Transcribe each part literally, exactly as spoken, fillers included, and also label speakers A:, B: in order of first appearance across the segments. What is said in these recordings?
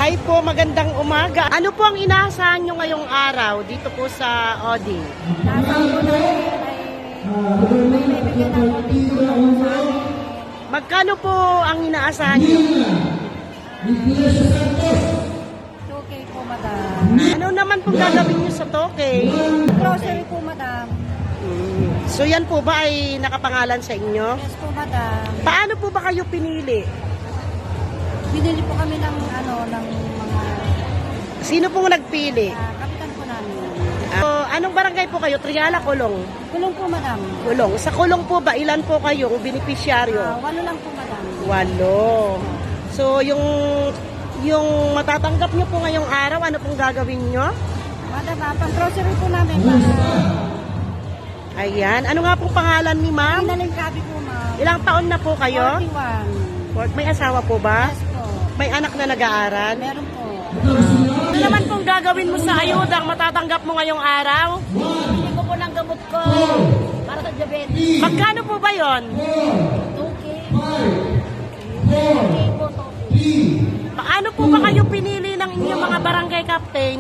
A: Hi po, magandang umaga. Ano po ang inaasahan nyo ngayong araw dito po sa Oding?
B: Nasa po na ay may bibigyan ng konting tulong sa amin.
A: Magkano po ang inaasahan nyo?
B: two K po, madam.
A: Ano naman po gagawin nyo sa Tokay?
B: Grocery po, madam.
A: Hmm. So yan po ba ay nakapangalan sa inyo?
B: Yes po, madam.
A: Paano po ba kayo pinili?
B: Binili po kami ng ano, ng mga
A: Sino pong nagpili?
B: uh, kapitan po namin.
A: So, anong barangay po kayo? Triala, Kulong?
B: Kulong po, madam.
A: Kulong. Sa Kulong po ba, ilan po kayong
B: Uh,
A: beneficiaryo?
B: walo lang po, madam.
A: Walo. So, yung yung matatanggap nyo po ngayong araw, ano pong gagawin nyo?
B: Madam, uh, pang grocery po namin para
A: Ayan. Ano nga pong pangalan ni ma'am?
B: inaling kabi po, ma'am.
A: Ilang taon na po kayo?
B: forty-one.
A: Fort- May asawa po ba?
B: Yes po.
A: May anak na nag-aaral?
B: Meron po.
A: Ano naman pong gagawin mo sa ayudang matatanggap mo ngayong araw?
B: Bili ko po ng gamot ko para sa diabetes.
A: Magkano po ba yon?
B: two K. two K po, two K.
A: Paano po ba kayo pinili ng inyong mga barangay captain?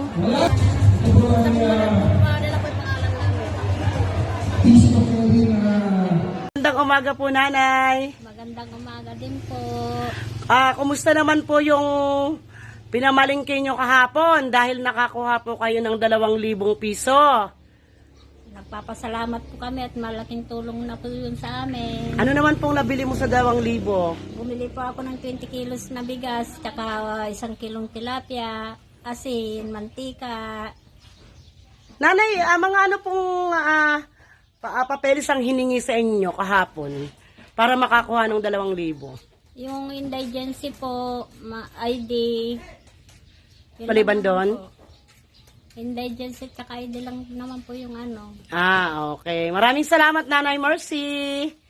A: Magandang umaga po, nanay.
B: Magandang umaga din po.
A: Ah, kumusta naman po yung pinamalingke nyo kahapon dahil nakakuha po kayo ng dalawang libong piso?
B: Nagpapasalamat po kami at malaking tulong na po yun sa amin.
A: Ano naman pong nabili mo sa dalawang libo?
B: Bumili po ako ng twenty kilos na bigas, tsaka uh, isang kilong tilapia, asin, mantika.
A: Nanay, ah, mga ano pong ah, pa, ah, papeles ang hiningi sa inyo kahapon para makakuha ng dalawang libo?
B: Yung indigency po, ma- I D. Yun
A: Maliban
B: lang
A: doon?
B: po. Indigency tsaka I D lang naman po yung ano.
A: Ah, okay. Maraming salamat, Nanay Mercy.